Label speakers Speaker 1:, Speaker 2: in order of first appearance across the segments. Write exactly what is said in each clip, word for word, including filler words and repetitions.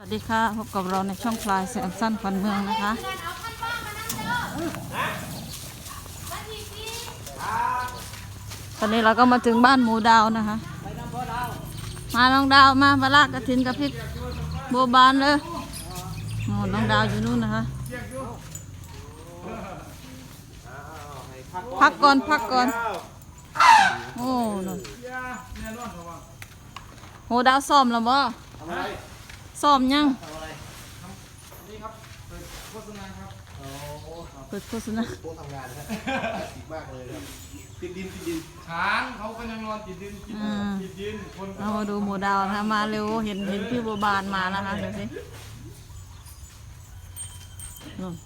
Speaker 1: สวัสดีค่ะพบกับเราในช่องพลายแสงสั้นขวัญเมืองนะคะตอนนี้เราก็มาถึงบ้านหมูดาวนะคะมาน้องดาวมาปลากกระถินกับพริกโบบานเลยโอ้น้องดาวอยู่นู่นนะคะพักก่อนพักก่อนโอ้นั่นโหดาวซ้อมแล้วบ่ซ้อมยังเปิดโฆษณาโต๊ะทำงานนะติดมากเลยครับติดดินติดดินช้างเขาก็ยังนอนติดดินติดดินคนเรามาดูหมูดาวนะมาเร็วเห็นเห็นพี่บัวบานมานะคะเดี๋ยวสินู่น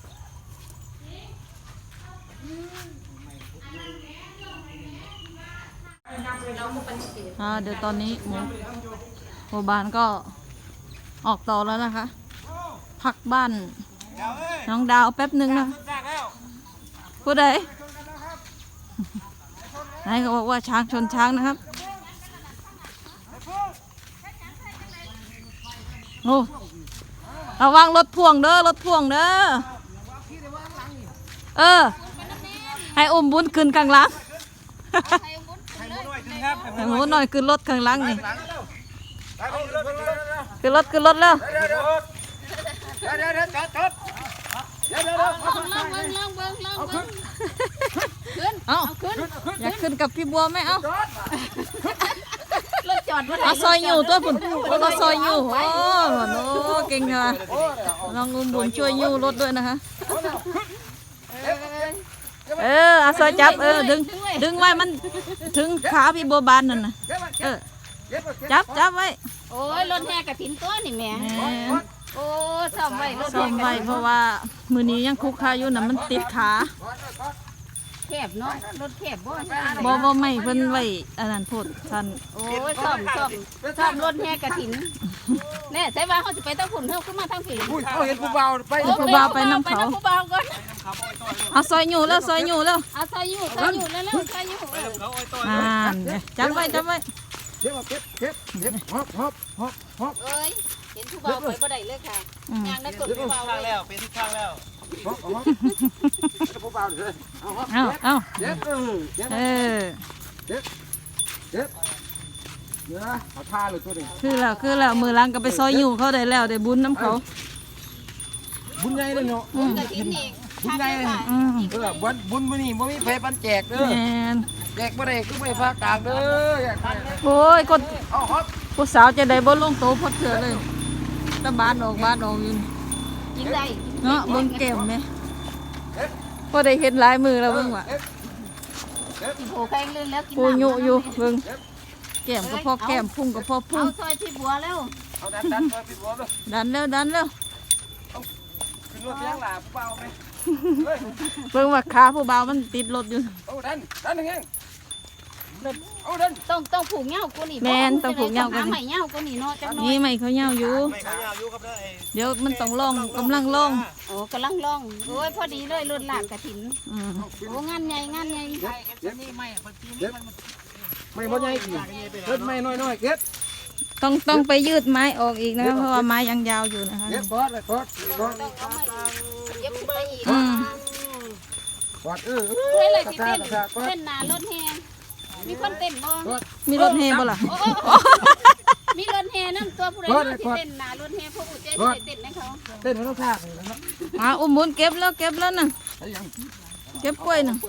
Speaker 1: อ่าเดี๋ยวตอนนี้หมูบัวบานก็ออกต่อแล้วนะคะพักบ้านน้องดาวแป๊บหนึ่งนะผู้ใดนายเขาบอกว่าช้างชนช้างนะครับโอ้ระวังรถพ่วงเด้อรถพ่วงเด้อเออให้อุ้มบุญขึ้นข้างหลังให้หมูหน่อยขึ้นรถข้างหลังนี่ขึ้นรถขึ้นรถแล้วเอาอยากขึ้นกับพี่บัวไหมเอาเอาซอยอยู่ตัวปุ่นก็ซอยอยู่โอ้โหเก่งเลยลองงุมบุญช่วยยู่รถด้วยนะคะเออเอาซอยจับเออดึงดึงไว้มันถึงขาพี่บัวบานนั่นนะเออจับจับไว้
Speaker 2: โอ้ยรถแห่กระถินตัวนี่แม่โอ้ซ่อมไว้รถ
Speaker 1: ซ่อมไว้เพราะว่ามือนี้ยังคุกคาอยู่นะมันติดขา
Speaker 2: แคบเนาะรถแคบบ่
Speaker 1: บ่บ่ไม่เพิ่นไว้อันนั้นพูดท่าน
Speaker 2: โอ้ยซ่อมซ่อมซ่อมรถแห่กระถินแน่ใช่ว่าเขาจะไปตั้งฝุ่นเฮาขึ้นมาทางผี
Speaker 3: เขาเห็นผู้เบาไป
Speaker 1: ผู้เบาไปน้ำเขา
Speaker 2: ผู้เบาก่อน
Speaker 1: เอาซอยอยู่แล้วซอยอยู่แล้ว
Speaker 2: เอาซอยอยู่ซอยอยู่แล้วแล้วซอยอยู่
Speaker 1: อ่าจับไว้จับไว้
Speaker 3: เก็บเก็บเก็บเก็บฮอบฮอบฮอบฮอบ
Speaker 2: เอ้ยเห็นผู้เบาไปบ่ได้เลยค่ะงานนั้นกดผู้เบา
Speaker 3: แล้วเป็นที่ข้างแล้วฮอบฮอบผู้เบาเลยเอาฮอบ
Speaker 1: เอาเอา
Speaker 3: เก็บเออ
Speaker 1: เออ
Speaker 3: เก็บเก็บเนื้อเขาท่าเลยตัวนี้
Speaker 1: คือแล้วคือแล้วมือล้างก็ไปซอยอยู่เขาได้แล้วได้บุญน้ำเขา
Speaker 3: บุญใหญ่เลยเนาะ
Speaker 2: บุญกระถินอีก
Speaker 3: บุญใหญ่เออบุญบุญมื้อนี้บ่มีไผปันแจกเด้อแจกบ่ได้คือไม่พากลางเด้อ
Speaker 1: โอ้ยคนผู้สาวจะได้บ่ลงโตพดเถื่อเลยตะบานออกบานออกอยู่
Speaker 2: กินได้
Speaker 1: เนาะเบิ่งแก้มไหมพอได้เห็นลายมือแล้วเบิ่งว่ะ
Speaker 2: กินโผล่แข้งลื่นแล้วกิน
Speaker 1: ปูยุอยู่เบิ่งแก้มก็พอแก้มพุ่งก็พอพุ่ง
Speaker 2: เอาซอยพี่บัวแล้ว
Speaker 3: เอาดันดันซอยพี่บัวเลย
Speaker 1: ดันแล้วดันแล้ว
Speaker 3: ขึ้นรถยังหล่ะผู้เบาไหม
Speaker 1: เบิ่งว่าขาผู้เบามันติดรถอยู่
Speaker 3: เอาดันดันยังไงเอาดัน
Speaker 2: ต้องต้องผูกเงากูนี่
Speaker 1: แม่นต้องผูกเงากัน
Speaker 2: ใหม่เงากูนี่เนาะจัง
Speaker 1: นี่ไม่เขาเงาอยู่เดี๋ยวมันต้องล่องกำลังล่อง
Speaker 2: โอ้กำลังล่องโอ้ยพอดีเลยรถหลากกระถินโอ้งานใหญ่งานใหญ่
Speaker 3: นี่ไม่ไม่พอใหญ่กี่เก็บไม่น้อยๆเก็บ
Speaker 1: ต้องต้องไปยืดไม้ออกอีกนะครับเพราะว่าไม้ยังยาวอยู่นะคะ
Speaker 3: เก็บบอสเลยบอสบอส
Speaker 2: เย็บไปอีก
Speaker 3: บอสเออ
Speaker 2: เฮ้ยเลยที่เต้นเต้นนารถแห่มีคนเต้นบ่
Speaker 1: มีรถแห่บ่ล่ะ
Speaker 2: มีรถแห่นั่นตัวผู้ใดที่เต้นนารถแห่พวกผู้เจ๊ที่เต้นให้เขา
Speaker 3: เต้นให้เขาท่าเลยนะครับ
Speaker 1: อ่าอุ้มบุญเก็บแล้วเก็บแล้วน่ะเก็บกล้วยน่ะ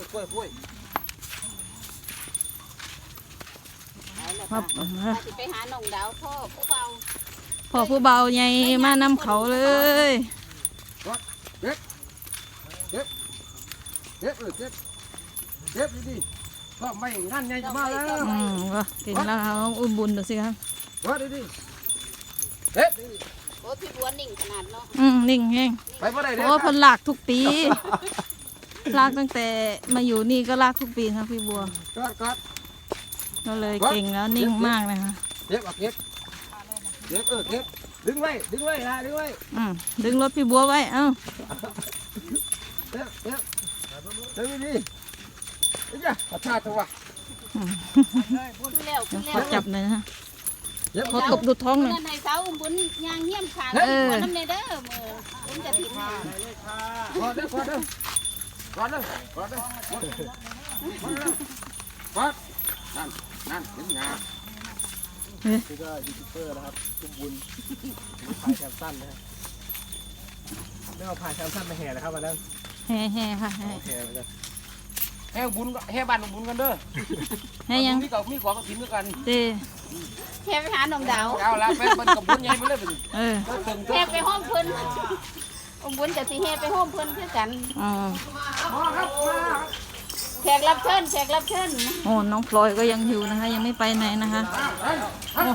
Speaker 2: ครับไปหาหนองดาวพ่อผู้เบา
Speaker 1: พ่อผู้เบาใหญ่มานำเขาเลย
Speaker 3: เก็บเก็บเก็บเก็บเก็บดีๆก็ไม่งานใหญ่มาแล้ว
Speaker 1: อืมก็เก่งแล้วครับอุ้มบุญดูสิครับ
Speaker 3: ว่าดีๆเก็บ
Speaker 2: โอ้พี่บัวนิ่งขนาดเนาะ
Speaker 1: อืมนิ่งแห้ง
Speaker 3: ไปเมื่อไรเนี่ย
Speaker 1: โอ้พันหลากทุกปีลากตั้งแต่มาอยู่นี่ก็ลากทุกปีครับพี่บัว
Speaker 3: ก็ก็
Speaker 1: ก็เลยเก่งแล้วนิ่งมากเลยค่ะ
Speaker 3: เก็บเก็บเก็บเออเก็บดึงไว้ดึงไว้นะดึงไว้
Speaker 1: อืมดึงรถพี่บัวไว้เอ้า
Speaker 3: เก็บเก็บดึงดีๆจ้ะขอชาตัว
Speaker 1: เขาจับเลยนะขอตบดูท้องหน่อย
Speaker 2: เงินในเสาอุ้มบุญยางเหี้ยมขาด
Speaker 1: เออ
Speaker 2: น้ำในเด้อมืออุ้มจะถิ่น
Speaker 3: กอดเด้อกอดเด้อกอดเด้อกอดเด้อกอดกอดนั่นนั่นเห็นงา
Speaker 4: นี่ก็ยูทูบเบอร์นะครับตุ้มบุญพายแคมสั้นนะครับไม่เอาพายแคมสั้นไปแห่นะครับวันนั้น
Speaker 1: แห่แห่ค่ะแห่
Speaker 4: แห่เหมือนกัน
Speaker 3: แห่บุญแห่บ้านบุญกันเด้อ
Speaker 1: แห่ยัง
Speaker 3: มีกับมีของกระถิ่นด้วยกัน
Speaker 1: เต้
Speaker 2: แค่ไปหาหนมดาว
Speaker 3: เอาละแม่เป็นกับบุญใหญ่ไปเลยเป็น
Speaker 1: เออ
Speaker 3: ตึง
Speaker 2: แค่ไปห้องเพิ่นอุ้มบุญจะสิแห่ไปห้องเพิ่นคือกัน
Speaker 1: อ๋อ
Speaker 3: มาครับมา
Speaker 2: แขกรับเชิญแขกรับเชิญ
Speaker 1: โอ้น้องพลอยก็ยังอยู่นะคะ ยังไม่ไปไหนนะคะโอ้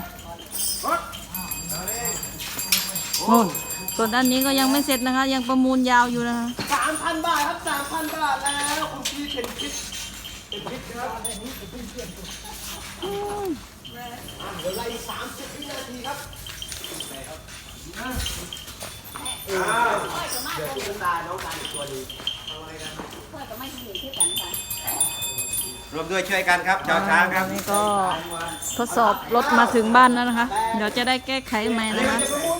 Speaker 1: โน่นส่วนด้านนี้ก็ยังไม่เสร็จนะคะ ยังประมูลยาวอยู่นะคะ
Speaker 4: สามพันบาทครับสามพันบาทแล้วคุณพี่เป็นพิษเป็นพิษครับเดี๋ยวไล่สามสิบวินาทีครับ
Speaker 2: ค่อยก็มา
Speaker 4: เดี๋ยวคุณตาน้องตาอีกตัวนึง
Speaker 2: ค่อยก็ไม่เห็นคือกันค่ะ
Speaker 5: รวมด้วยช่วยกันครับชาวช้างค
Speaker 1: ต
Speaker 5: รั
Speaker 1: อบ นนี้ก็ทดสอบรถมาถึงบ้านแล้วนะคะ เดี๋ยวจะได้แก้ไขใหม่นะคะ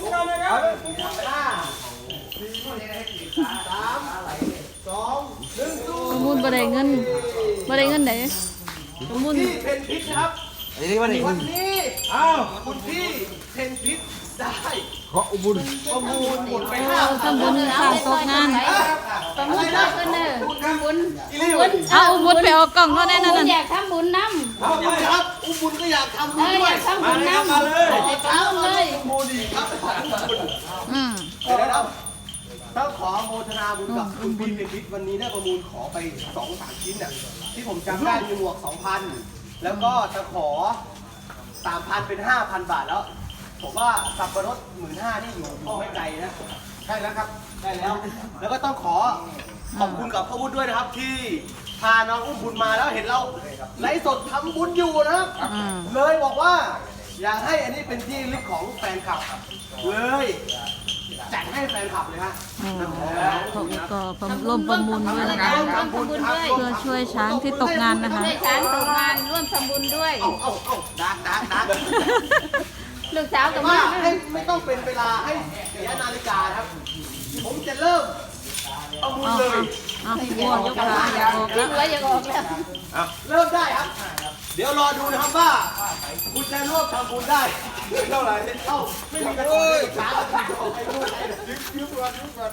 Speaker 4: สามสองหนึ่งตู้
Speaker 1: ประมูลบ่ได้เงินบ่ได้เงินไหนประมูล
Speaker 4: พี่เป็นพิษนะครับ
Speaker 5: อันนี้ว่าหนึ่ง
Speaker 4: วันนี้อ้าวคุณพี่เป็นพิษได้
Speaker 3: ขออุบุญ
Speaker 4: ประมูลหมดไป
Speaker 1: เอ
Speaker 4: ห้า
Speaker 1: อทำบุญสร้างโต๊ะงาน
Speaker 2: ประมุขเลิกกันเด้ออุ้มบุญ
Speaker 4: อีลี่
Speaker 2: บุญ
Speaker 1: เอาอุบุญไปเอากล่องเท่านั้น
Speaker 2: บุ
Speaker 1: นั่
Speaker 2: ญ
Speaker 1: น
Speaker 2: อ
Speaker 1: น่ะ
Speaker 2: ยากทำบุญน้ำ
Speaker 4: เอาเลยครับอุ้มบุญก็อยากทำ
Speaker 2: เอ
Speaker 4: บุญ
Speaker 2: อ
Speaker 4: ด้
Speaker 2: อ
Speaker 4: วย
Speaker 2: ยากทำบุญน้ำมาเลยเอาเลย
Speaker 4: โมดีครับ
Speaker 1: อืม
Speaker 4: เดี๋ยวนะครับต้องขอโมทนาบุญกับคุณพี่เป็นพิษวันนี้ได้ประมูลขอไปสองสามชิ้นน่ะที่ผมจำได้มีหมวกสองพันแล้วก็ตะขอสามพันเป็นห้าพันบาทแล้ว ผมว่าสับปะรดหมื่นห้านี่อยู่อยู่ไม่ไกลนะใช่แล้วครับได้แล้ว แล้วก็ต้องขอขอบคุณกับพ่อบุญด้วยนะครับ ที่พาน้องอุ้มบุญมาแล้วเห็นเราไลฟ์สดทำบุญอยู่นะครับ
Speaker 1: อืม
Speaker 4: เลยบอกว่า อยากให้อันนี้เป็นที่ลึกของแฟนคลับเลยจัดให้แฟนคลับเลยฮะ
Speaker 1: อืมเขาก็ร่วมประมูลด้วยนะคะ
Speaker 2: ร่วมทำบุญด้วย
Speaker 1: เพื่อช่วยช้างที่ตกงานนะคะ
Speaker 2: ช่วยช้างตกงานร่วมทำบุญด้วย
Speaker 4: เอาเอาเอาดักดักดัก
Speaker 2: ลูกสาว
Speaker 4: แต่
Speaker 2: กับ
Speaker 4: ว่า
Speaker 2: แม่
Speaker 4: ให้ไม่ต้องเป็นเวลาให้เสียนาฬิกาครับ ผมจะเริ่มประมูล
Speaker 1: เอา
Speaker 4: เลย
Speaker 1: เอาเอาบัวยกขาอย่าออก
Speaker 2: คิ
Speaker 1: แล้ว
Speaker 2: ดไว้ยังออกแล้ว
Speaker 4: เริ่มได้ครับ เดี๋ยวรอดูนะครับว่า คุณจะร่วมทำบุญได้เท่าไหร่เท่าไม่มีกระตุ้นช้ายืมยืมก่อนยืมก่อน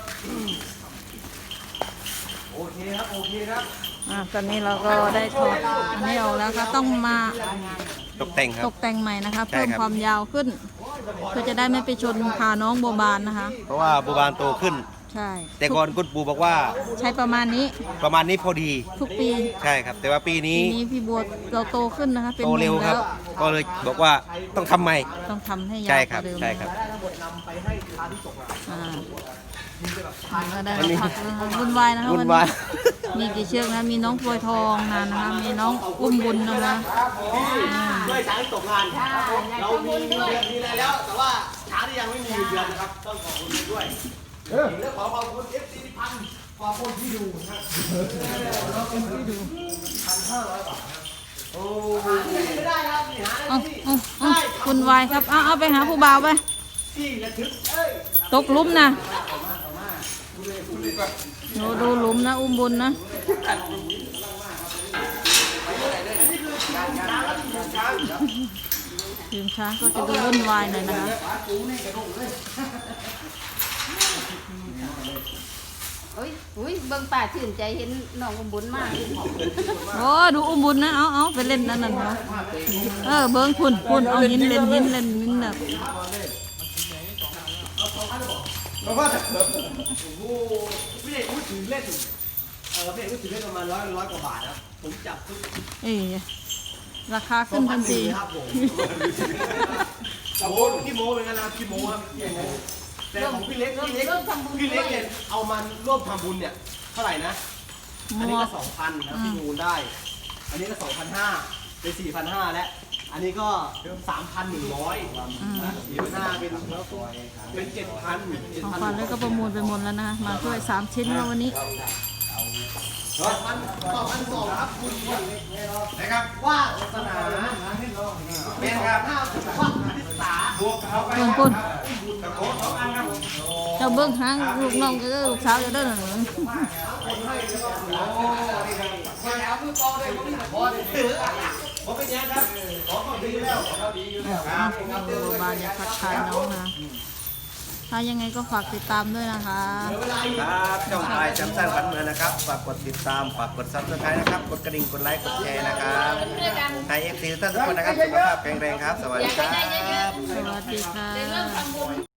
Speaker 4: โอเคครับโอเคครับ
Speaker 1: อ่าตอนนี้เราก็ได้ถอดอันนี้ออกแล้วก็ต้องมา
Speaker 5: ตกแต่งครั
Speaker 1: ต
Speaker 5: บ
Speaker 1: กแต่งใหม่นะคะ
Speaker 5: ใช่
Speaker 1: เพิ่ม
Speaker 5: ครับ
Speaker 1: ความยาวขึ้น เพื่อจะได้ไม่ไปชนขาน้องโบบานนะคะ
Speaker 5: เพราะว่าบูบานโตขึ้น
Speaker 1: ใช่
Speaker 5: แต่ก่อนคุณปู่บอกว่า
Speaker 1: ใช้ประมาณนี้
Speaker 5: ประมาณนี้พอดี
Speaker 1: ทุกปี
Speaker 5: ใช่ครับ แต่ว่าปี
Speaker 1: ปี
Speaker 5: นี้
Speaker 1: นี้พี่บัวเราโตขึ้นนะคะ เป็น
Speaker 5: โต
Speaker 1: หนุ่
Speaker 5: เร็ว
Speaker 1: ม
Speaker 5: ครั
Speaker 1: แล้
Speaker 5: บ
Speaker 1: ว
Speaker 5: ก็เลยบอกว่าต้องทำใหม่
Speaker 1: ต้องทำให้ยาว
Speaker 5: ใช่
Speaker 1: ก
Speaker 5: ครับ
Speaker 1: ว่าเดิม
Speaker 5: ใช่ครับ
Speaker 1: อ่าก็ได้มาพักแล้วนะคะวุ่นวายนะคะ
Speaker 5: วุ่
Speaker 1: วัน
Speaker 5: นวา
Speaker 1: นี้
Speaker 5: ย
Speaker 1: มีกี่เชือกนะมีน้องพลอยทองนะนะคะ มีน้องอุ้มบุญนะคะ
Speaker 4: ด้วยช้างที่ตกงาน เรามีเงินเดือนมีอะไรแล้ว แต่ว่าช้างที่ยังไม่มีเงินเดือนนะครับ ต้องขอบคุณด้วยและขอขอบคุณ เอฟ ซี ที่พันขอบคุณที่ดูนะขอบคุณที่ดูพันห้าร้อยบาทนะโอ้ไม่ได้ครับนี่หา
Speaker 1: เอา
Speaker 4: ที่
Speaker 1: เอาเอาวุ่นวายครับ เอาเอาไปหาผู้บ่าวไป
Speaker 4: ที่ระทึกเอ้ย
Speaker 1: ตกหลุมนะดูดูหลุมนะ อุ้มบุญนะทีมช้างก็จะดูวุ่นวายหน่อยนะคะ
Speaker 2: โอ้ยอุ้ยเบิ่งป่าชื่นใจเห็นน้องอุ้มบุญมาก
Speaker 1: โอ้ดูอุ้มบุญนะ เอาเอาไปเล่นนั่นน่ะเนาะเออ เบิ้งพุ่นพุ่นเอาหินเล่นหินเล่นหินแบบ
Speaker 4: เพราะว่าโอ้โหพี่เอกพูดถึงเล่นเออพี่เอกพูดถึงเล่นประมาณร้อยร้อยกว่าบาทนะผมจับทุก
Speaker 1: เอ้ยราคาขึ้นทันที
Speaker 4: ครับผมโอ้พี่โมเป็นไงล่ะพี่โมครับพี่โมแต่ของพี่เล็กพี่เล็ก
Speaker 2: ร่วมทำบุญ
Speaker 4: พี่
Speaker 2: ด้
Speaker 4: เล็
Speaker 2: ว
Speaker 4: ก
Speaker 2: ย
Speaker 4: เนี่ยเอามันร่วมทำบุญเนี่ยเท่าไหร่นะ อันนี้ก็สองพันนะพี่มูลได้ อันนี้ก็สองพันห้าเป็นสี่พันห้าแล้ว อันนี้ก็สามพันหนึ่งร้อยสี่พันห้าเป็นเป็นเจ็ดพันเจ็ด
Speaker 1: ของ
Speaker 4: พัน
Speaker 1: ขวัญแล้วก็ประมูลไปหมดแล้วนะคะมาช่วยสามชิ้นแล้ววันนี้
Speaker 4: สองพันสองพันสองครับคุณนะครับว่าสนาแม่ครับห้าว่า
Speaker 1: เบิ่งคุณเจ้าเบิ่งหางลูกน้องก็ได้ลูกสาวจะได้หนึ่ง บานอยากทักทายน้องนะถ้ายังไงก็ฝากติดตามด้วยนะคะ
Speaker 5: ครับช่องพายจำสร้างฝันเมืองนะครับ ฝากกดติดตาม ฝากกดซับสไครต์นะครับ กดกระดิ่ง กดไลค์ กดแชร์นะครับให้เอฟซีท่านทุกคนนะครับ สุขภาพแข็งแรงครับ สวัสดีครับ
Speaker 1: สวัสดีค่ะ